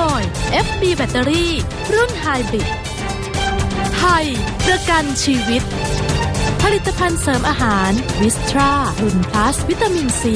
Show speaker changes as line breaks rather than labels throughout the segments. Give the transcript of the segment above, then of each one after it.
ย FB แบตเตอรี่รุ่นไฮบริดไทยประกันชีวิตผลิตภัณฑ์เสริมอาหารวิสตรารุ่นพลัสวิตามินซี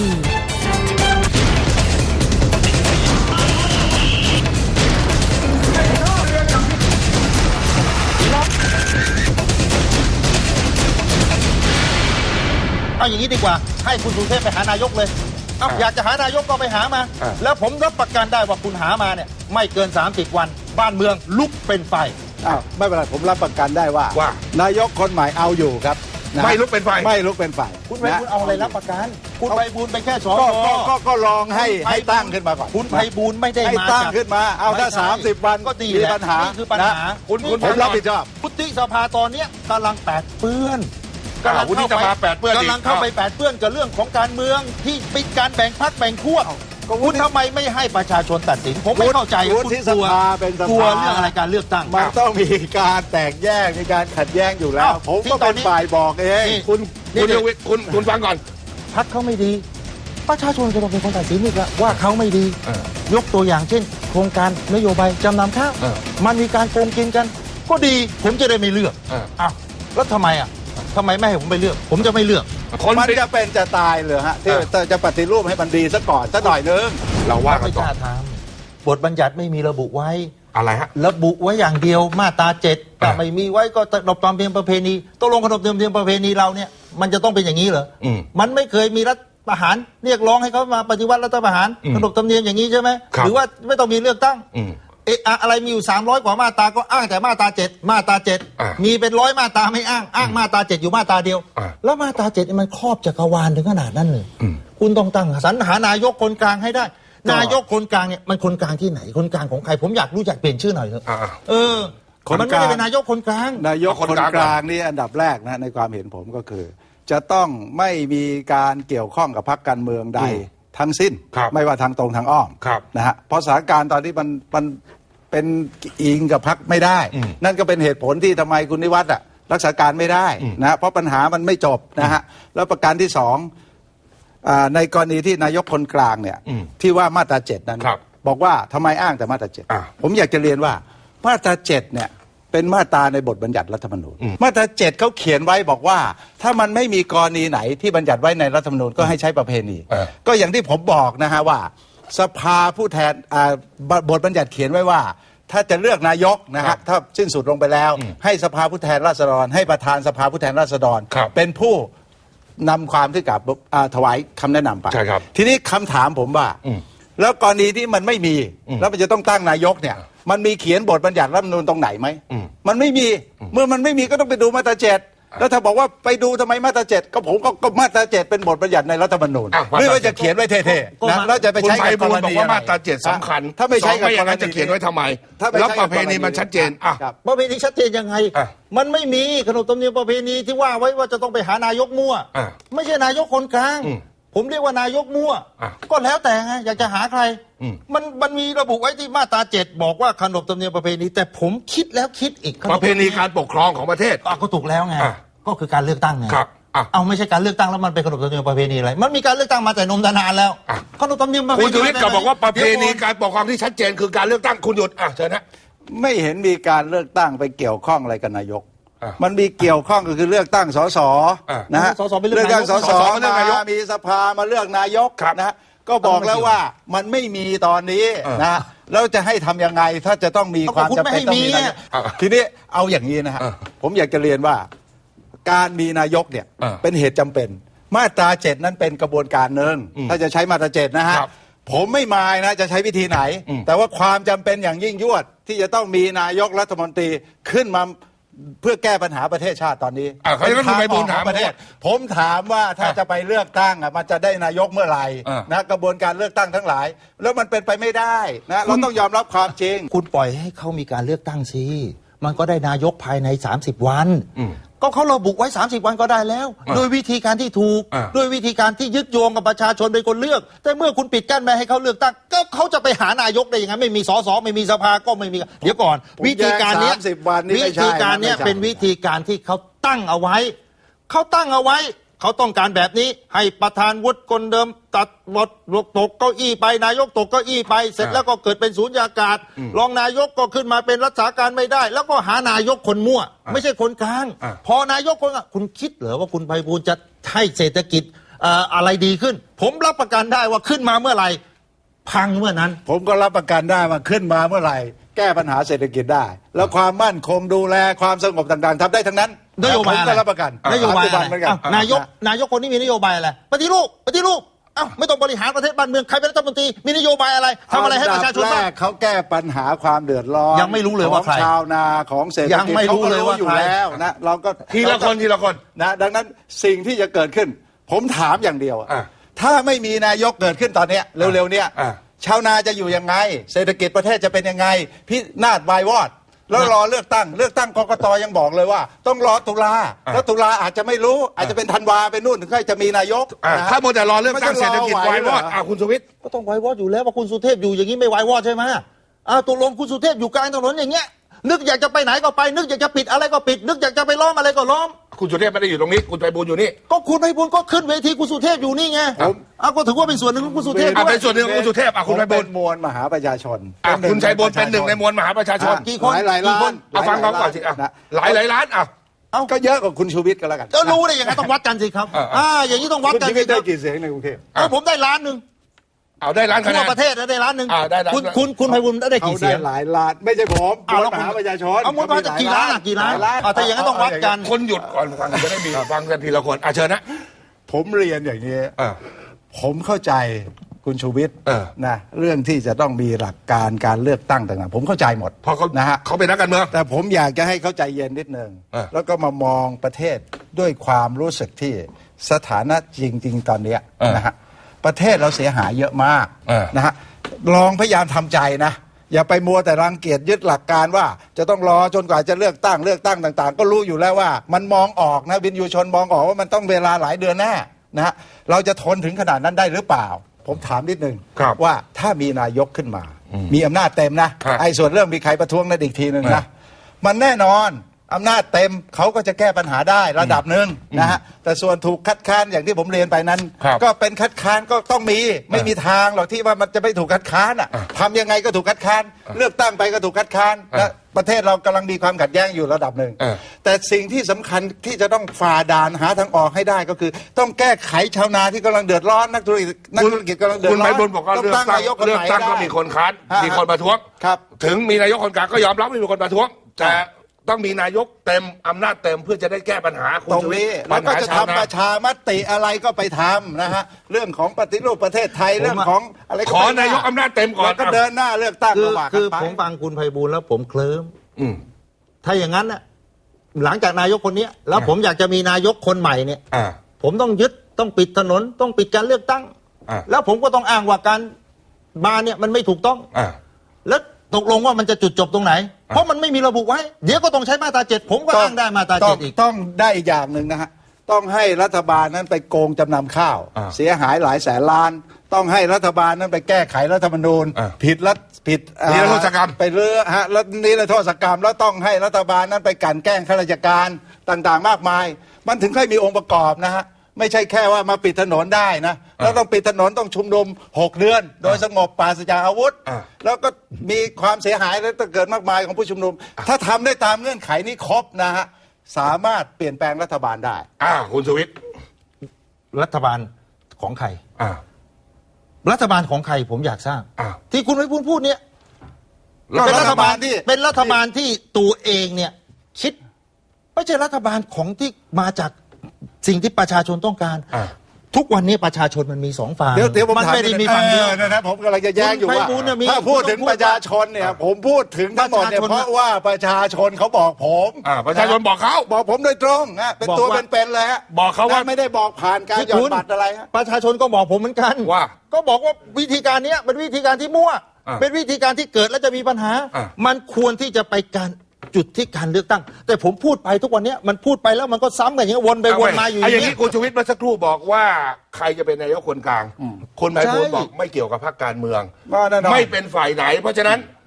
เอาอย่างนี้ดีกว่าให้คุณสุเทพไปหานายกเลยอยากจะหานายกก็ไปหามาแล้วผมรับประกันได้ว่าคุณหามาเนี่ยไม่เกิน30 วันบ้านเมืองลุกเป็นไฟ
ไม่เป็นไรผมรับประกันได้ว่านายกคนใหม่เอาอยู่ครับ
ไม่ลุกเป็นไฟ
ไม่ลุกเป็นไฟ
คุณไพบูลย์เอาอะไรรับประกันคุณไพบูลย์เป็นแค่สอ
ก็ลองให้ตั้งขึ้นมาก่อน
คุณไพบูลย์ไม่ได้มา
ตั้งขึ้นมาเอาถ้า30 วัน
ก็ดี
มีปัญหา
คือปัญหา
ผมรับผิดชอบ
วุฒิสภาตอนนี้กำลังแปดเปื้อน
วุฒิสภาแปดเปื้อน
กำลังเข้าไปแปดเปื้อนกับเรื่องของการเมืองที่เป็นการแบ่งพรรคแบ่งขั้วคุณทำไมไม่ให้ประชาชนตัดสินผมไม่เข้าใจ
วุฒิสภาเป็นสภาก
ลัวเรื่องอะไรการเลือกตั้ง
มันต้องมีการแตกแยกมีการขัดแย้งอยู่แล้วผมก็เป็นฝ่ายบอกเอง
คุณฟังก่อน
พรรคเขาไม่ดีประชาชนจะต้องเป็นคนตัดสินอีกแล้วว่าเขาไม่ดียกตัวอย่างเช่นโครงการนโยบายจำนำข้าวมันมีการโกงกินกันก็ดีผมจะได้ไม่เลือกแล้วทำไมไม่ให้ผมไปเลือกผมจะไม่เลือก
มันจะเป็นจะตายเลยฮะที่จะปฏิรูปให้มันดีซะก่อนสักหน่อยนึง
เราว่ากันต่อ
บทบัญญัติไม่มีระบุไว้
อะไรฮะ
ระบุไว้อย่างเดียวมาตรา7แต่ไม่มีไว้ก็ขนบธรรมเนียมประเพณีต้องลงขนบธรรมเนียมประเพณีเราเนี่ยมันจะต้องเป็นอย่างนี้เหรอมันไม่เคยมีรัฐประหารเรียกร้องให้เขามาปฏิวัติรัฐประหารขนบธรรมเนียมอย่างนี้ใช่ไหมหรือว่าไม่ต้องมีเลือกตั้งอะไรมีอยู่300 กว่ามาตราก็อ้างแต่มาตรา7มาตรา7มีเป็น100 มาตราไม่อ้างมาตรา7อยู่มาตราเดียวแล้วมาตรา7มันครอบจักรวาลถึงขนาดนั้นเลยคุณต้องตั้งสรรหานายกคนกลางให้ได้นายกคนกลางเนี่ยมันคนกลางที่ไหนคนกลางของใครผมอยากรู้จักเปลี่ยนชื่อหน่อยเถอะมันไม่ได้เป็นนายกคนกลาง
นายกคนกลางนี่อันดับแรกนะในความเห็นผมก็คือจะต้องไม่มีการเกี่ยวข้องกับพรรคการเมืองใดทั้งสิ้นไม่ว่าทางตรงทางอ้อมนะฮะเพราะสถานการณ์ตอนนี้มันเป็นอิงกับพรรคไม่ได้นั่นก็เป็นเหตุผลที่ทำไมคุณนิวัฒน์รักษาการไม่ได้นะเพราะปัญหามันไม่จบนะฮะแล้วประการที่สองในกรณีที่นายกคนกลางเนี่ยที่ว่ามาตรา7นั้นบอกว่าทำไมอ้างแต่มาตรา7ผมอยากจะเรียนว่ามาตรา7เนี่ยเป็นมาตราในบทบัญญัติรัฐธรรมนูญมาตรา7เขาเขียนไว้บอกว่าถ้ามันไม่มีกรณีไหนที่บัญญัติไว้ในรัฐธรรมนูญก็ให้ใช้ประเพณีก็อย่างที่ผมบอกนะฮะว่าสภาผู้แทนบทบัญญัติเขียนไว้ว่าถ้าจะเลือกนายกนะฮะถ้าสิ้นสุดลงไปแล้วให้สภาผู้แทนราษฎรให้ประธานสภาผู้แทนราษฎรเป็นผู้นำความที่กับถวายคำแนะนำไปทีนี้คำถามผมว่าแล้วกรณีที่มันไม่มีแล้วมันจะต้องตั้งนายกเนี่ยมันมีเขียนบทบัญญัติรัฐธรรมนูญตรงไหนไหมมันไม่มีเมื่อมันไม่มีก็ต้องไปดูมาตรา7แล้วถ้าบอกว่าไปดูทำไมมาตรา7ก็ผมก็มาตรา7เป็นบทบัญญัติในรัฐธรรมนูญไม่ว่าจะเขียนไว้เท่ๆนะแล้วจะไปใช้กับกรณี
บอกว่ามาตรา7สำคัญ
ถ้าไม่ใช่กับกรณี
จะเขียนไว้ทำไมแล้วประเพณีมันชัดเจน
ประเพณีชัดเจนยังไงมันไม่มีขนบธรรมเนียมประเพณีที่ว่าไว้ว่าจะต้องไปหานายกมั่วไม่ใช่นายกคนกลางผมเรียกว่านายกมั่วก็แล้วแต่ไงอยากจะหาใครมันมีระบุไว้ที่มาตรา7บอกว่าขนบธรรมเนียมประเพณีแต่ผมคิดแล้วคิดอีก
ประเพณีการปกครองของประเทศ
ก็ถูกแล้วไงก็คือการเลือกตั้งไงเอาไม่ใช่การเลือกตั้งแล้วมันเป็นขนบธรรมเนียมประเพณีอะไรมันมีการเลือกตั้งมาแต่นมนานแล้วขนบธรรมเนียมประเพณี
คุณชูวิทย์ก็บอกว่าประเพณีการปกครองที่ชัดเจนคือการเลือกตั้งคุณหยุดเชิญนะ
ไม่เห็นมีการเลือกตั้งไปเกี่ยวข้องอะไรกับนายกมันมีเกี่ยวข้องก็คือเลือกตั้งสสนะฮะเลือกตั้งสสมามีสภามาเลือกนายกนะฮะก็บอกแล้วว่ามันไม่มีตอนนี้นะแล้วจะให้ทำยังไงถ้าจะต้องมีความจำเป็นต้องมีนายกทีนี้เอาอย่างนี้นะฮะผมอยากจะเรียนว่าการมีนายกเนี่ยเป็นเหตุจำเป็นมาตรา7นั้นเป็นกระบวนการหนึ่งถ้าจะใช้มาตรา7นะฮะผมไม่มายนะจะใช้วิธีไหนแต่ว่าความจำเป็นอย่างยิ่งยวดที่จะต้องมีนายกรัฐมนตรีขึ้นมาเพื่อแก้ปัญหาประเทศชาติตอนนี้
เป็นทางออกของ
ประเทศผมถามว่าถ้าจะไปเลือกตั้งมันจะได้นายกเมื่อไหร่นะกระบวนการเลือกตั้งทั้งหลายแล้วมันเป็นไปไม่ได้นะเราต้องยอมรับความจริง
คุณปล่อยให้เขามีการเลือกตั้งสิมันก็ได้นายกภายใน30 วันก็เขาระบุไว้30 วันก็ได้แล้วโดยวิธีการที่ถูกด้วยวิธีการที่ยึดโยงกับประชาชนเป็นคนเลือกแต่เมื่อคุณปิดกั้นไม่ให้เขาเลือกตั้งก็เขาจะไปหานายกได้ยังไงไม่มีสสไม่มีสภาก็ไม่มีเดี๋ยวก่อนวิธีการนี้เป็นวิธีการที่เขาตั้งเอาไว้เขาต้องการแบบนี้ให้ประธานวุฒิคนเดิมตัดบทตกเก้าอี้ไปนายกตกเก้าอี้ไปเสร็จแล้วก็เกิดเป็นสูญญากาศรองนายกก็ขึ้นมาเป็นรักษาการไม่ได้แล้วก็หานายกคนมั่วไม่ใช่คนกลางพอนายกคนกลางคุณคิดเหรอว่าคุณไพบูลย์จะให้เศรษฐกิจอะไรดีขึ้นผมรับประกันได้ว่าขึ้นมาเมื่อไหร่พังเมื่อนั้น
ผมก็รับประกันได้ว่าขึ้นมาเมื่อไหร่แก้ปัญหาเศรษฐกิจได้แล้วความมั่นคงดูแลความสงบต่างๆทำได้ทั้งนั้น
นโยบายอะไร
รับประกัน
นโยบายอะไรนายกคนนี้มีนโยบายอะไรปฏิรูปไม่ต้องบริหารประเทศบ้านเมืองใครเป็นรัฐมนตรีมีนโยบายอะไรทำอะไรให้ประชาชนบ้าง
เขาแก้ปัญหาความเดือดร้อน
ยังไม่รู้เลยว่าใคร
ชาวนาของเศรษฐกิจ
ยังไม่รู้เลยว่า
อยู่แล้วนะเราก็
ทีละคน
นะดังนั้นสิ่งที่จะเกิดขึ้นผมถามอย่างเดียวถ้าไม่มีนายกเกิดขึ้นตอนนี้เร็วๆเนี่ยชาวนาจะอยู่ยังไงเศรษฐกิจประเทศจะเป็นยังไงพินาศวายวอดแล้วรอเลือกตั้งกกตยังบอกเลยว่าต้องรอตุลาแล้วตุลาอาจจะไม่รู้อาจจะเป็นธันวาเป็นนู่นถึงค่อยจะมีนายก
ถ้าโมแต่รอเลือกตั้งเศรษฐกิจวายวอดคุณสุวิทย์
ก็ต้องวายวอดอยู่แล้วว่าคุณสุเทพอยู่อย่างนี้ไม่วายวอดใช่ไหมตกลงคุณสุเทพอยู่กลางถนนอย่างเงี้ยนึกอยากจะไปไหนก็ไปนึกอยากจะปิดอะไรก็ปิดนึกอยากจะไปล้อมอะไรก็ล้อม
คุณสุเทพไม่ได้อยู่ตรงนี้คุณไพบูลย์อยู่นี่
ก็คุณไพบูลย์ก็ขึ้นเวทีคุณสุเทพอยู่นี่ไงก็ถือว่าเป็นส่วนหนึ่งของคุณสุเทพ
เป็นส่วนหนึ่งของคุณสุเทพคุณไพบูลย์
มวลมหาประชาชน
คุณชัยบูลย์เป็นหนึ่งในมวลมหาประชาชน
กี่คน
หลายล้าน
ฟังเขาก่อนสิหลายล้าน
ก็เยอะกว่าคุณชูวิทย์ก็แล้วกัน
ก็รู้ได้ยังไงต้องวัดกันสิครับอย่างนี้ต้องวัดกัน
คุณชูวิทย์ได้กี่เสียงในกรุงเทพ
ผมได้ล้านหนึ่ง
ได้ล้านคะแนน
ทั่วประเทศได้ล้านหนึ่งคุณไพบูลย์ได้กี่เสียง
หลายล้านไม่ใช่ผมมหาประชาชน
มวลกี่ล้านถ้าอย่างนั้นต้องวัดกัน
คนหยุดก่อนฟังจะได้มีฟังกันทีละคนเชิญนะ
ผมเรียนอย่างนี้ผมเข้าใจคุณชูวิทย์นะเรื่องที่จะต้องมีหลักการการเลือกตั้งต่างๆผมเข้าใจหมด
เพราะเขา
นะฮะ
เขาเป็นนักการเมือง
แต่ผมอยากจะให้เข้าใจเย็นนิดนึงแล้วก็มามองประเทศด้วยความรู้สึกที่สถานะจริงๆตอนนี้นะฮะประเทศเราเสียหายเยอะมากนะฮะลองพยายามทำใจนะอย่าไปมัวแต่รังเกียจยึดหลักการว่าจะต้องรอจนกว่าจะเลือกตั้งต่างๆก็รู้อยู่แล้วว่ามันมองออกนะวินยูชนมองออกว่ามันต้องเวลาหลายเดือนแน่นะฮะเราจะทนถึงขนาดนั้นได้หรือเปล่าผมถามนิดนึงว่าถ้ามีนายกขึ้นมามีอำนาจเต็มนะไอ้ส่วนเรื่องมีใครประท้วงนั่นอีกทีนึงนะมันแน่นอนอำนาจเต็มเขาก็จะแก้ปัญหาได้ระดับหนึ่งนะฮะแต่ส่วนถูกคัดค้านอย่างที่ผมเรียนไปนั้นก็เป็นคัดค้านก็ต้องมีไม่มีทางหรอกที่ว่ามันจะไม่ถูกคัดค้านทำยังไงก็ถูกคัดค้านเลือกตั้งไปก็ถูกคัดค้านและประเทศเรากำลังมีความขัดแย้งอยู่ระดับหนึ่งแต่สิ่งที่สำคัญที่จะต้องฝ่าด่านหาทางออกให้ได้ก็คือต้องแก้ไขชาวนาที่กำลังเดือดร้อนนักธุรกิจกำลังเดือดร้อน
คุณไพบูลย์บอกว่าเลือกตั้งก็มีคนค้านมีคนประท้วงถึงมีนายกคนกลางก็ยอมรับไม่มีคนประท้วงแต่ต้องมีนายกเต็มอำนาจเต็มเพื่อจะได้แก้ปัญหา
ตรงนี้แล้วก็จะทำประชามติอะไรก็ไปทำนะฮะเรื่องของปฏิรูปประเทศไทยเรื่องของอะไร
ขอนายกอำนาจเต็มก่อน
ก็เดินหน้าเลือกตั้ง
คือผมฟังคุณไพบูลย์แล้วผมเคลิ้มถ้าอย่างนั้นน่ะหลังจากนายกคนนี้แล้วผมอยากจะมีนายกคนใหม่เนี่ยผมต้องยึดต้องปิดถนนต้องปิดการเลือกตั้งแล้วผมก็ต้องอ้างว่าการมาเนี่ยมันไม่ถูกต้องแล้วตกลงว่ามันจะจุดจบตรงไหนเพราะมันไม่มีระบุไว้เดี๋ยวก็ต้องใช้มาตรา7ผมก็อ้างได้มาตรา7อีก
ต้องได้อีกอย่างหนึ่งนะฮะต้องให้รัฐบาลนั้นไปโกงจำนำข้าวเสียหายหลายแสนล้านต้องให้รัฐบาลนั้นไปแก้ไขรัฐธรรมนูญผิด
นิรโทษกรรม
ไปเรือฮะแล้วนิรโทษกรรมแล้วต้องให้รัฐบาลนั้นไปกลั่นแกล้งข้าราชการต่างๆมากมายมันถึงค่อยมีองค์ประกอบนะฮะไม่ใช่แค่ว่ามาปิดถนนได้นะแล้วต้องปิดถนนต้องชุมนุม6 เดือนโดยสงบปราศจากอาวุธแล้วก็มีความเสียหายแล้วเกิดมากมายของผู้ชุมนุมถ้าทำได้ตามเงื่อนไขนี้ครบนะฮะสามารถเปลี่ยนแปลงรัฐบาลได้
คุณสุวิทย์
รัฐบาลของใครรัฐบาลของใครผมอยากทราบที่คุณไพบูลย์พูดเนี่ยเป็นรัฐบาลที่ตัวเองเนี่ยคิดไม่ใช่รัฐบาลของที่มาจากสิ่งที่ประชาชนต้องการทุกวันนี้ประชาชนมันมี2 ฝั่งมันไม่ได้มีฝั่งเดียว
นะผมกำลังจะแย้งอยู่ว่าถ้าพูดถึงประชาชนเนี่ยผมพูดถึงทั้งหมดเนี่ยเพราะว่าประชาชนเขาบอกผม
ประชาชนบอกเขา
บอกผมโดยตรงเป็นตัวเป็นๆเลยฮะ
บอกเขาว่า
ไม่ได้บอกผ่านการหย่อนบัตรอะไรฮะ
ประชาชนก็บอกผมเหมือนกัน
ว่า
ก็บอกว่าวิธีการนี้เป็นวิธีการที่มั่วเป็นวิธีการที่เกิดแล้วจะมีปัญหามันควรที่จะไปการจุดที่การเลือกตั้งแต่ผมพูดไปทุกวันนี้มันพูดไปแล้วมันก็ซ้ำกันอย่างนี้วนไปวนมาอยู่
อย่างนี้คุณชูวิทย์เมื่อสักครู่บอกว่าใครจะเป็นนายกคนกลางคนไพบูลย์บอกไม่เกี่ยวกับพรรคการเมืองไม่เป็นฝ่ายไหนเพราะฉะนั้น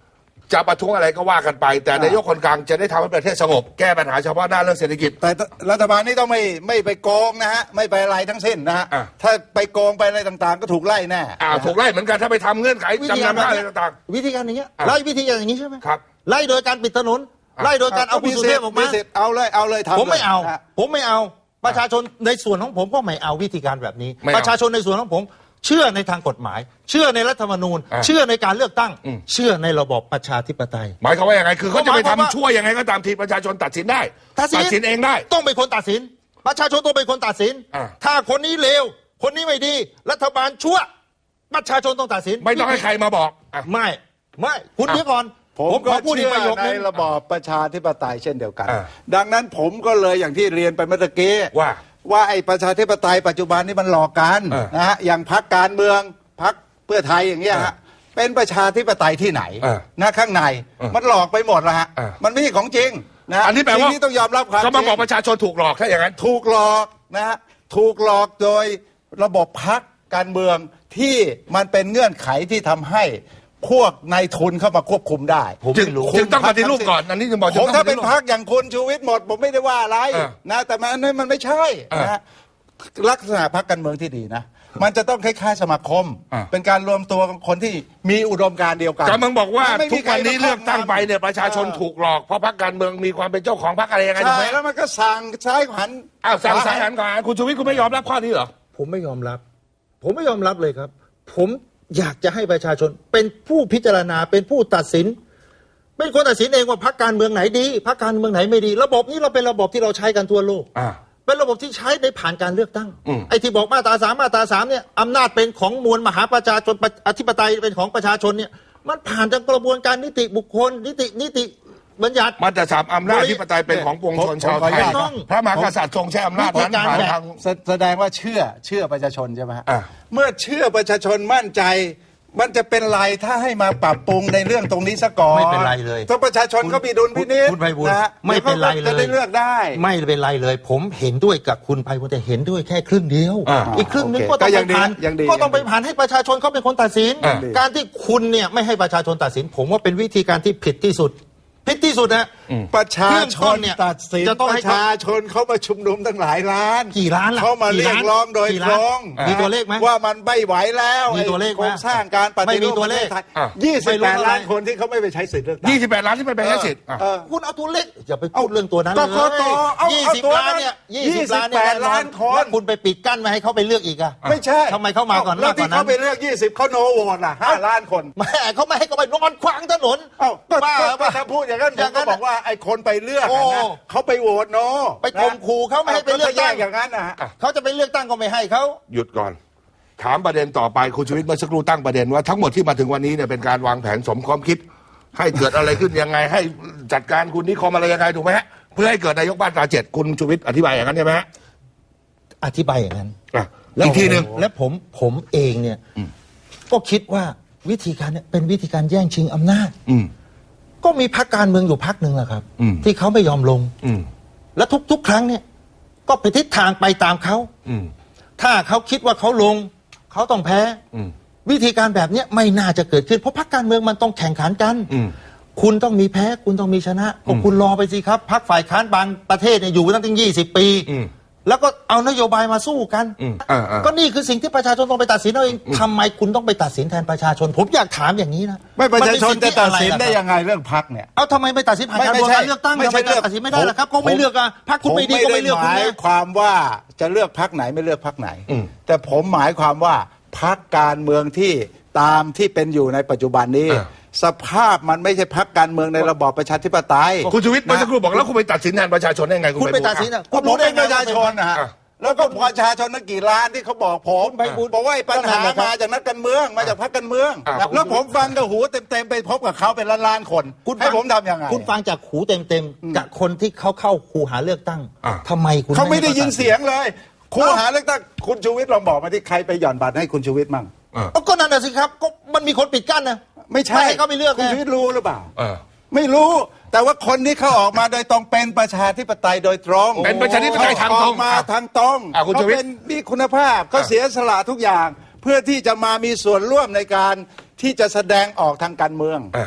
จะประท้วงอะไรก็ว่ากันไป แต่นายกคนกลางจะได้ทำให้ประเทศสงบแก้ปัญหาเฉพาะหน้าเรื่องเศรษฐกิจ
แต่รัฐบาลนี้ต้องไม่ไปโกงนะฮะไม่ไปอะไรทั้งสิ้นนะฮะถ้าไปโกงไปอะไรต่างๆก็ถูกไล่แน่
ถูกไล่เหมือนกันถ้าไปทำเงื่อนไขจำนำอะไรต่าง
ๆวิธีการอย่างเงี้ยไล่วิธีการอย่างนี้ใช่ไหม
ครับ
ไล่โดยการปิดถนนไล่โดยการเอาคุณสุเทพออกมา
เอาเลยทำ
ผมไม่เอาประชาชนในส่วนของผมก็ไม่เอาวิธีการแบบนี้ประชาชนในส่วนของผมเชื่อในทางกฎหมายเชื่อในรัฐธรรมนูญเชื่อในการเลือกตั้งเชื่อในระบอบประชาธิปไตย
หมายความว่าอย่างไรคือเขาจะไปทำชั่วยังไงก็ตามทีประชาชนตัดสินได้ตัดสินเองได้
ต้องเป็นคนตัดสินประชาชนต้องเป็นคนตัดสินถ้าคนนี้เลวคนนี้ไม่ดีรัฐบาลชั่วประชาชนต้องตัดสิน
ไม่ต้องให้ใครมาบอก
ไม่คุณเดี๋ยวก่อน
ผมก็เชื่อในระบอบประชาธิปไตยเช่นเดียวกันดังนั้นผมก็เลยอย่างที่เรียนไปเมื่อกี้ว่าไอ้ประชาธิปไตยปัจจุบันนี้มันหลอกกันนะฮะอย่างพรรคการเมืองพรรคเพื่อไทยอย่างเงี้ยฮะเป็นประชาธิปไตยที่ไหนนะข้างในมันหลอกไปหมดแล้วฮะมันไม่ใช่ของจริงนะ
อันนี้แปลว่า
ต้องยอมรับความจริง
ก็มาบอกประชาชนถูกหลอกถ้าอย่างนั้น
ถูกหลอกนะฮะถูกหลอกโดยระบบพรรคการเมืองที่มันเป็นเงื่อนไขที่ทำให้พวกนายทุนเข้ามาควบคุมได้
จึงต้องปฏิรูปก่อนอันนี้จะบอก
ผมถ้าเป็นพรรคอย่างคุณชูวิทย์หมดผมไม่ได้ว่าอะไรนะแต่มันไม่ใช่นะลักษณะพรรคการเมืองที่ดีนะมันจะต้องคล้ายๆสมาคมเป็นการรวมตัวของคนที่มีอุดมการณ์เดียวกัน
กำลังบอกว่าทุกวันนี้เลือกตั้งไปเนี่ยประชาชนถูกหลอกเพราะพรรคการเมืองมีความเป็นเจ้าของพรรคอะไรยังไงถูกไหม
แล้วมันก็สั่งซ้ายหัน
สั่งซ้ายหันก่อนคุณชูวิทย์คุณไม่ยอมรับข้อนี้เหรอ
ผมไม่ยอมรับเลยครับผมอยากจะให้ประชาชนเป็นผู้พิจารณาเป็นผู้ตัดสินเป็นคนตัดสินเองว่าพรรคการเมืองไหนดีพรรคการเมืองไหนไม่ดีระบบนี้เราเป็นระบบที่เราใช้กันทั่วโลกเป็นระบบที่ใช้ในผ่านการเลือกตั้งไอ้ที่บอกมาตรา3เนี่ยอำนาจเป็นของมวลมหาประชาชนอธิปไตยเป็นของประชาชนเนี่ยมันผ่านจากกระบวนการนิติบุคคลนิติบัญญัติ
มาตรา3อำนาจอธิปไตยเป็นของปวงชนชาวไทยพระมหากษัตริย์ทรงใช้อำนาจนั้นผ่านทาง
แสดงว่าเชื่อประชาชนใช่ไหมเมื่อเชื่อประชาชนมั่นใจมันจะเป็นไรถ้าให้มาปรับปรุงในเรื่องตรงนี้ซะก่อน
ไม่เป็นไรเลย
ถ้าประชาชนเขามีดุลพินิจ
นะไม่เป็นไรเลย
จะได้เลือกได้
ไม่เป็นไรเลยผมเห็นด้วยกับคุณไพบูลย์แต่เห็นด้วยแค่ครึ่งเดียวอีกครึ่งนึงก็ต้องไปผ่านให้ประชาชนเขาเป็นคนตัดสินการที่คุณเนี่ยไม่ให้ประชาชนตัดสินผมว่าเป็นวิธีการที่ผิดที่สุดนะ
ประชาชนตัดสินประชาชนเขามาชุมนุมตั้งหลายล้าน
กี่ล้าน
เขามาเรียกร้องโดยตรง
มีตัวเลขไหม
ว่ามันไม่ไหวแล้ว
มีตัวเลข
โครงสร้างการปฏิรูปประเทศไทย28 ล้านคนที่เขาไม่ไปใช้สิทธิ์เลือกตั้ง
28 ล้านที่ไม่ไปใช้สิทธิ์
คุณเอาตัวเลขอย่าไปพูดเรื่องตัวนั้นเลย20 ล้านเนี่ย28 ล้านคนคุณไปปิดกั้นไม่ให้เขาไปเลือกอีกอ่ะ
ไม่ใช่
ทำไมเขามาก่อน
แล้วที่เขาไปเลือก20เขาโนโหวตล่ะ5 ล้านคน
แม่เขาไม่ให้เขาไปนอนขวางถนน
ถ้าพูดอย่างนั้นก็บอกว่าไอ้คนไปเลือกนะเขาไปโหวตโน
ไปข่มขู่เขาไม่ให้ไปเลือกตั้ง
อย่างนั้นนะ
เขาจะไปเลือกตั้งก็ไม่ให้เขา
หยุดก่อนถามประเด็นต่อไปคุณชูวิทย์เมื่อสักครู่ตั้งประเด็นว่าทั้งหมดที่มาถึงวันนี้เนี่ยเป็นการวางแผนสมความคิดให้เกิดอะไรขึ้นยังไงให้จัดการคุณนิคมอะไรยังไงถูกไหมฮะเพื่อให้เกิดนายกมาตรา7คุณชูวิทย์อธิบายอย่างนั้นใช่ไหมฮะ
อธิบายอย่างนั้น
อีกทีหนึ่ง
และผมเองเนี่ยก็คิดว่าวิธีการเนี่ยเป็นวิธีการแย่งชิงอำนาจก็มีพรรคการเมืองอยู่พรรคหนึ่งแหละครับที่เขาไม่ยอมลงและทุกครั้งเนี่ยก็ไปทิศทางไปตามเขาถ้าเขาคิดว่าเขาลงเขาต้องแพ้วิธีการแบบนี้ไม่น่าจะเกิดขึ้นเพราะพรรคการเมืองมันต้องแข่งขันกันคุณต้องมีแพ้คุณต้องมีชนะก็คุณรอไปสิครับพรรคฝ่ายค้านบางประเทศเนี่ยอยู่ตั้งถึง20 ปีแล้วก็เอานโยบายมาสู้กันก็นี่คือสิ่งที่ประชาชนต้องไปตัดสินเอาเองทำไมคุณต้องไปตัดสินแทนประชาชนผมอยากถามอย่างนี้นะ
ไม่ประชาชนจะตัดสินได้ยังไงเรื่องพรรคเนี่ย
เอาทำไมไม่ตัดสินผ่านการเลือกตั้งทำไมตัดสินไม่ได้ล่ะครับก็ไม่เลือกอ่ะพรรคคุณไม่ดีก็ไม่เลือกคุณ
หมายความว่าจะเลือกพรรคไหนไม่เลือกพรรคไหนแต่ผมหมายความว่าพรรคการเมืองที่ตามที่เป็นอยู่ในปัจจุบันนี้สภาพมันไม่ใช่พรรคการเมืองในระบอบประชาธิปไตย
คุณชูวิทย์เมื่อสักครู่บอกแล้วคุณไปตัดสินแทนประชาชนได้ไง
คุณไปตัดสิน
ก็ผมเป็นประชาชนนะแล้วก็ประชาชนนักกี่ล้านที่เขาบอกผมบอกว่าปัญหามาจากนักการเมืองมาจากพรรคการเมืองแล้วผมฟังกับหูเต็มไปพบกับเขาเป็นล้านๆคนให้ผมทำยังไง
คุณฟังจากหูเต็มกับคนที่เขาเข้าคูหาเลือกตั้งทำไมคุณ
เขาไม่ได้ยินเสียงเลยคูหาเลือกตั้งคุณชูวิทย์ลองบอกมาที่ใครไปหย่อนบัตรให้คุณชูวิทย์มั่ง
ก็นั่นน่ะสิครับก็มันมีคนปิดกั้นนะ
ไม่ใช่
เขาไม่เลือก
คุณชูวิทย์รู้หรือเปล่าไม่รู้แต่ว่าคนที่เขาออกมาโดยตรงเป็นประชาธิปไตยโดยตรง
เป็นประชาธิปไตยทางตรง
มาทางตรงเขาเป็นมีคุณภาพเขาเสียสละทุกอย่างเพื่อที่จะมามีส่วนร่วมในการที่จะแสดงออกทางการเมือง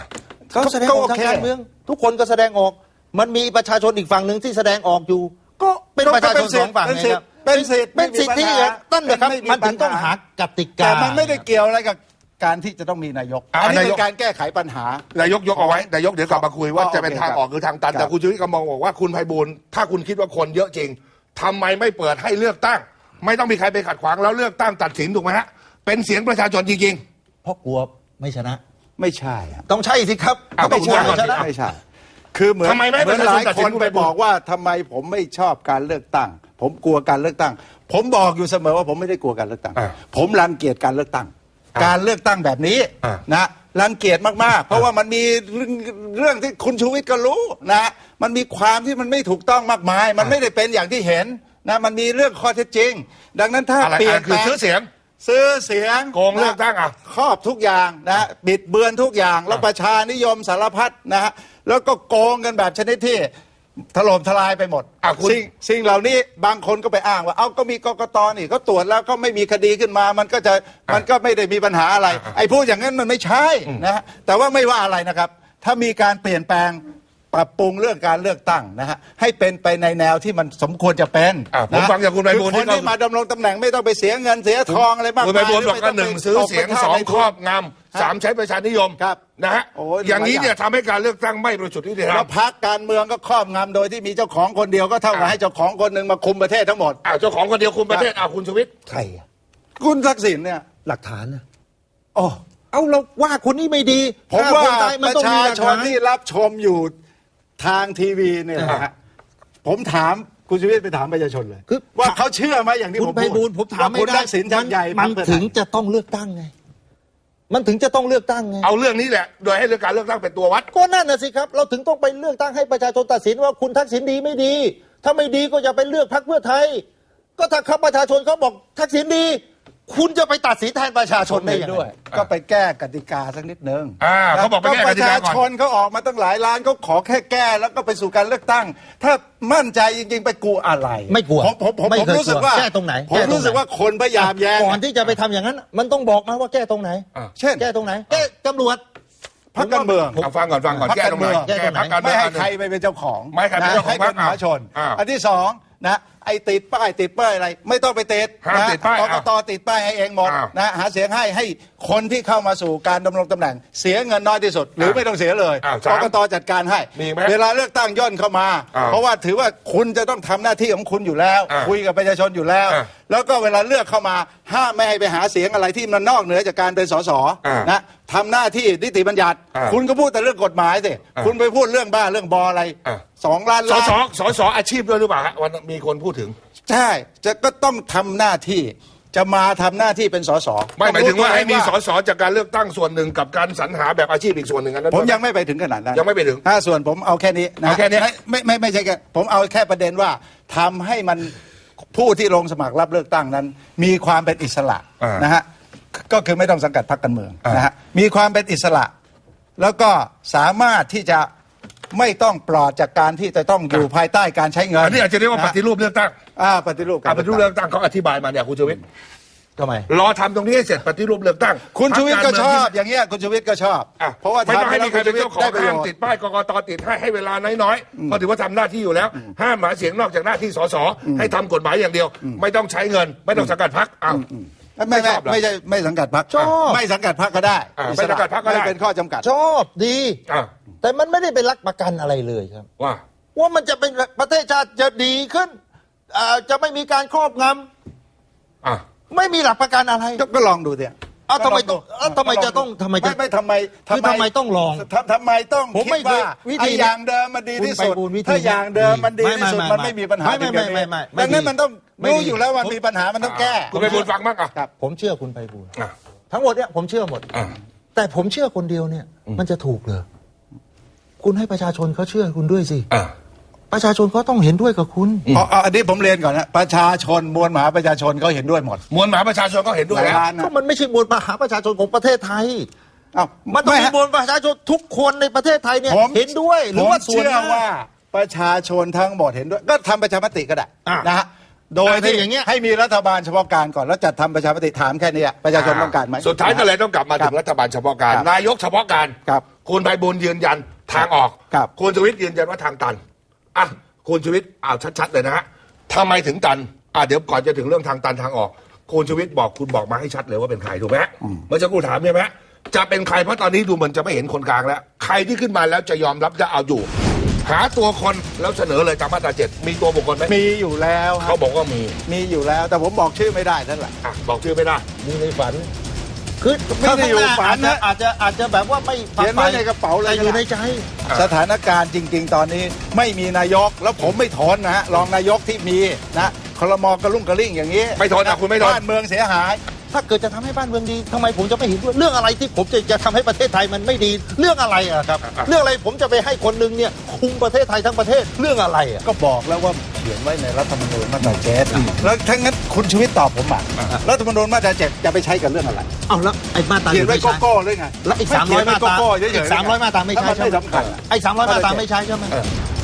เขาแสดงออกทางการเมืองทุกคนก็แสดงออกมันมีประชาชนอีกฝั่งหนึ่งที่แสดงออกอยู่ก็เป็นประชาชนสองฝั่งไงครับเป็นสิทธิตั้นเลยครับมันถึงต้องหากติกา
แต่มันไม่ได้เกี่ยวอะไรกับการที่จะต้องมีนายกอันนี้เป็นการแก้ไขปัญหาน
ายกยกเอาไว้นายกเดี๋ยวกลับมาคุยว่าจะเป็นทางออกหรือทางตันแต่คุณชูวิทย์ก็มองบอกว่าคุณไพบูลย์ถ้าคุณคิดว่าคนเยอะจริงทำไมไม่เปิดให้เลือกตั้งไม่ต้องมีใครไปขัดขวางแล้วเลือกตั้งตัดสินถูกไหมฮะเป็นเสียงประชาชนจริง
ๆเพราะกลัวไม่ชนะ
ไม่ใช่
ต้องใช่สิครับ
ต้องชนะ
ไม่ใช่คือเหมือนหลายคนไปบอกว่าทำไมผมไม่ชอบการเลือกตั้งผมกลัวการเลือกตั้งผมบอกอยู่เสมอว่าผมไม่ได้กลัวการเลือกตั้งผมรังเกียจการเลือกตั้งการเลือกตั้งแบบนี้นะรังเกียจมากๆเพราะว่ามันมีเรื่องที่คุณชูวิทย์ก็รู้นะมันมีความที่มันไม่ถูกต้องมากมายมันไม่ได้เป็นอย่างที่เห็นนะมันมีเรื่องข้อเท็จจริงดังนั้นถ้าเปลี่ยน
คือซื้อเสียง
โก
งเลือกตั้ง
ครอบทุกอย่างนะบิดเบือนทุกอย่างแล้วประชานิยมสารพัดนะฮะแล้วก็โกงกันแบบชนิดที่ถล่มทลายไปหมดสิ่งเหล่านี้บางคนก็ไปอ้างว่าก็มีกกต.นี่ก็ตรวจแล้วก็ไม่มีคดีขึ้นมามันก็ไม่ได้มีปัญหาอะไรไอ้พูดอย่างนั้นมันไม่ใช่นะฮะแต่ว่าไม่ว่าอะไรนะครับถ้ามีการเปลี่ยนแปลงปรับปรุงเรื่องการเลือกตั้งนะฮะให้เป็นไปในแนวที่มันสมควรจะเป็น
ผมฟังจากคุณไพบูลย์
คนที่มาดำรงตำแหน่งไม่ต้องไปเสียเงินเสียทองอะไรมากมาย
คุณไพบูลย์บอกว่า1ซื้อเสียง2ครอบงำ3ใช้ประชานิยมนะฮะอย่างนี้เนี่ยทำให้การเลือกตั้งไม่บริสุทธิ์ยุติธรรม
แล้วพรรคการเมืองก็ครอบงำโดยที่มีเจ้าของคนเดียวก็เท่ากับให้เจ้าของคนหนึ่งมาคุมประเทศทั้งหมด
เจ้าของคนเดียวคุมประเทศคุณชูวิทย์
ใคร
คุณทักษิณเนี่ย
หลักฐานนะเอาเราว่าคนนี้ไม่ดี
ผมว่าประชาชนที่รับชมอยู่ทางทีวีเนี่ยนะฮะผมถามคุณชูวิทย์ไปถามประชาชนเลยว่าเขาเชื่อไหมอย่างที่ผมพูด
ผมถามไม่ได้มันถึงจะต้องเลือกตั้งไงมันถึงจะต้องเลือกตั้งไง
เอาเรื่องนี้แหละโดยให้เรื่องการเลือกตั้งเป็นตัววัด
ก็นั่นน่ะสิครับเราถึงต้องไปเลือกตั้งให้ประชาชนตัดสินว่าคุณทักษิณดีไม่ดีถ้าไม่ดีก็อย่าไปเลือกพรรคเพื่อไทยก็ถ้าเขาประชาชนเขาบอกทักษิณดีคุณจะไปตัดสินแทนประชาชนได้ด้วย
ก็ไปแก้กติกาสักนิดนึง
เขาบอกไปแก้กติกาก่อน
ประชาชนเขาออกมาตั้งหลายล้านเขาขอแค่แก้แล้วก็ไปสู่การเลือกตั้งถ้ามั่นใจจริงๆไปกลัวอะไร
ไม่กลัว
ผมรู้สึกว่า
แก้ตรงไหน
ผมรู้สึกว่าคนพยายามแย้ง
ก่อนที่จะไปทำอย่างนั้นมันต้องบอกมาว่าแก้ตรงไหน
เช่น
แก้ตรงไหนแก้ตำรวจ
พรรคการเมือง
ฟังก่อนแก้ตรงไหน
แก้พรรคการเมืองไม่ให้ใครไปเป็นเจ้าของ
ไม่ให้เป็นเจ้าของพรรค
ประชาชนอันที่สองนะไอ้ติดป้ายอะไรไม่ต้องไปติดนะกกต.ติดป้ายให้เองหมดนะหาเสียงให้คนที่เข้ามาสู่การดำรงตำแหน่งเสียเงินน้อยที่สุดหรือไม่ต้องเสียเลยกกต.จัดการให้เวลาเลือกตั้งย่นเข้ามาเพราะว่าถือว่าคุณจะต้องทำหน้าที่ของคุณอยู่แล้วคุยกับประชาชนอยู่แล้วแล้วก็เวลาเลือกเข้ามาห้ามไม่ให้ไปหาเสียงอะไรที่มันนอกเหนือจากการเป็นสสนะทำหน้าที่นิติบัญญัติคุณก็พูดแต่เรื่องกฎหมายสิคุณไปพูดเรื่องบ้าเรื่องบออะไร2 ล้าน
สอาชีพด้วยหรือเปล่าฮะวันมีคนพูดถึง
ใช่ก็ต้องทำหน้าที่จะมาทำหน้าที่เป็นสส
ไม่หมายถึงว่าให้มีสสจากการเลือกตั้งส่วนหนึ่งกับการสรรหาแบบอาชีพอีกส่วนหนึ่งนั้น
ผมยังไม่ไปถึงขนาดนั้น
ยังไม่ไปถึง
ส่วนผมเอาแค่นี้นะ
แค่นี้
ไม่ใช่แค่ผมเอาแค่ประเด็นว่าทำให้มันผู้ที่ลงสมัครรับเลือกตั้งนั้นมีความเป็นอิสระนะฮะก็คือไม่ต้องสังกัดพรรคการเมืองนะฮะมีความเป็นอิสระแล้วก็สามารถที่จะไม่ต้องปลอดจากการที่จะต้องอยู่ภายใต้การใช้เงิน
อันนี้อาจจะเรียกว่าปฏิรูปเลือกตั้ง
ปฏิรูป
เลือกตั้งเขาอธิบายมาเนี่ยคุณชูวิทย์
ทำไม
รอทำตรงนี้ให้เสร็จปฏิรูปเลือกตั้ง
คุณชูวิทย์ก็ชอบอย่างเงี้ยคุณชูวิทย์ก็ชอบเพราะว่า
ไม่ต้องให้มีใครเป็นเจ้าของห้ามติดป้ายกกต.ติดให้เวลาน้อยๆเพราะถือว่าทำหน้าที่อยู่แล้วห้ามหาเสียงนอกจากหน้าที่สสให้ทำกฎหมายอย่างเดียวไม่ต้องใช้เงินไม่ต้องสังกัดพรรค
ไม่ใช่ไม่สังกัดพรรค
ชอบ
ไม่สังกัดพรรคก็ได้
ไม่สังกัดพรรคก็ได้
เป็นข้อจำกัด
ชอบดีแต่มันไม่ได้เป็นหลักประกันอะไรเลยครับว่ามันจะเป็นประเทศชาติจะดีขึ้นจะไม่มีการครอบงำไม่มีหลักประกันอะไร
ก็ลองดูสิ
ทำไมจะต้องทำไมต้องลอง
ทำไมต้องคิดว่าไอ้อย่างเดิมมันดีที่สุดถ้าอย่างเดิมมันดีที่สุดมันไม่มีปัญหา
ไม่
ดังนั้นมันต้องรู้อยู่แล้วว่ามีปัญหามันต้องแก้
คุณไพบูลย์ฟังบ้าง
ผมเชื่อคุณไพบูลย์ทั้งหมดเนี่ยผมเชื่อหมดแต่ผมเชื่อคนเดียวเนี่ยมันจะถูกเหรอคุณให้ประชาชนเขาเชื่อคุณด้วยสิประชาชนเขาต้องเห็นด้วยกับคุณ
อันนี้ผมเรียนก่อนนะประชาชนมวลมหาประชาชนเขาเห็นด้วยหมด
มวลมหาประชาชนก็เห็นด้วยแล้ว
ก็มันไม่ใช่มวลมหาประชาชนของประเทศไทยมันต้องมีมวลมหาประชาชนทุกคนในประเทศไทยเนี่ยเห็นด้วยหรือว่าส่วน
ว่าประชาชนทั้งหมดเห็นด้วยก็ทำประชามติก็ได้นะฮะโดยที่
อย่างเงี้ย
ให้มีรัฐบาลเฉพาะการก่อนแล้วจัดทำประชามติถามแค่นี้ประชาชนต้องการไหม
สุดท้ายก็เลยต้องกลับมาถึงรัฐบาลเฉพาะการ
ครับ
นายกเฉพาะการ
ครับ
คุณไพบูลย์ยืนยันทางออก
ครับ
คุณชูวิทย์ยืนยันว่าทางตันอ่ะคุณชูวิทย์ชัดๆเลยนะฮะทำไมถึงตันเดี๋ยวก่อนจะถึงเรื่องทางตันทางออกคุณชูวิทย์คุณบอกมาให้ชัดเลยว่าเป็นใครถูกไหมเมื่อสักครู่ถามใช่ไหมจะเป็นใครเพราะตอนนี้ดูเหมือนจะไม่เห็นคนกลางแล้วใครที่ขึ้นมาแล้วจะยอมรับจะเอาอยู่ หาตัวคนแล้วเสนอเลยตามมาตรา7มีตัวบุคคลไหม
มีอยู่แล้วค
เขา
รับ
บอกว่ามี
มีอยู่แล้วแต่ผมบอกชื่อไม่ได้นั่นแหละ
บอกชื่อไม่ได้
มีในฝัน คือ
ไม่ได้อยู่ฝันนะ
อาจจะแบบว่าไม่
เขียนไว้ในกระเป๋าเลย
แต่อยู่ในใจ
สถานการณ์จริง ๆ ตอนนี้ไม่มีนายกแล้วผมไม่ทนนะฮะรองนายกที่มีนะครม.กระลุ่งกระลิ่งอย่างนี้
ไม่ทนคุณไม่ทน
บ้านเมืองเสียหาย
ถ้าเกิดจะทำให้บ้านเมืองดีทำไมผมจะไม่เห็นด้วยเรื่องอะไรที่ผมจะทำให้ประเทศไทยมันไม่ดีเรื่องอะไรอะครับ เรื่องอะไรผมจะไปให้คนหนึงเนี่ยคุมประเทศไทยทั้งประเทศเรื่องอะไรอะ
ก็บอกแล้วว่าเขียนไว้ในรัฐธรรมนูญมาตรา7แล้วถ้างั้นคุณชีวิตตอบผมอ่ะรัฐธรรมนูญมาตรา7จะไปใช้กับเรื่องอะไร
เอาแล้วไอ้มาตรา
เขียนไว้
ไม่ใช้
โก้ๆหรือไง
แล้วอีก
ไม่เขียน
300
ไว้
มาตรา
โก้ๆเฉยๆ
อีก300มาตราไม่ใช่
แล้วน
ใช่ไหม
สำคัญ
ไอ้300มาตราไม่ใช่ใช่ไหม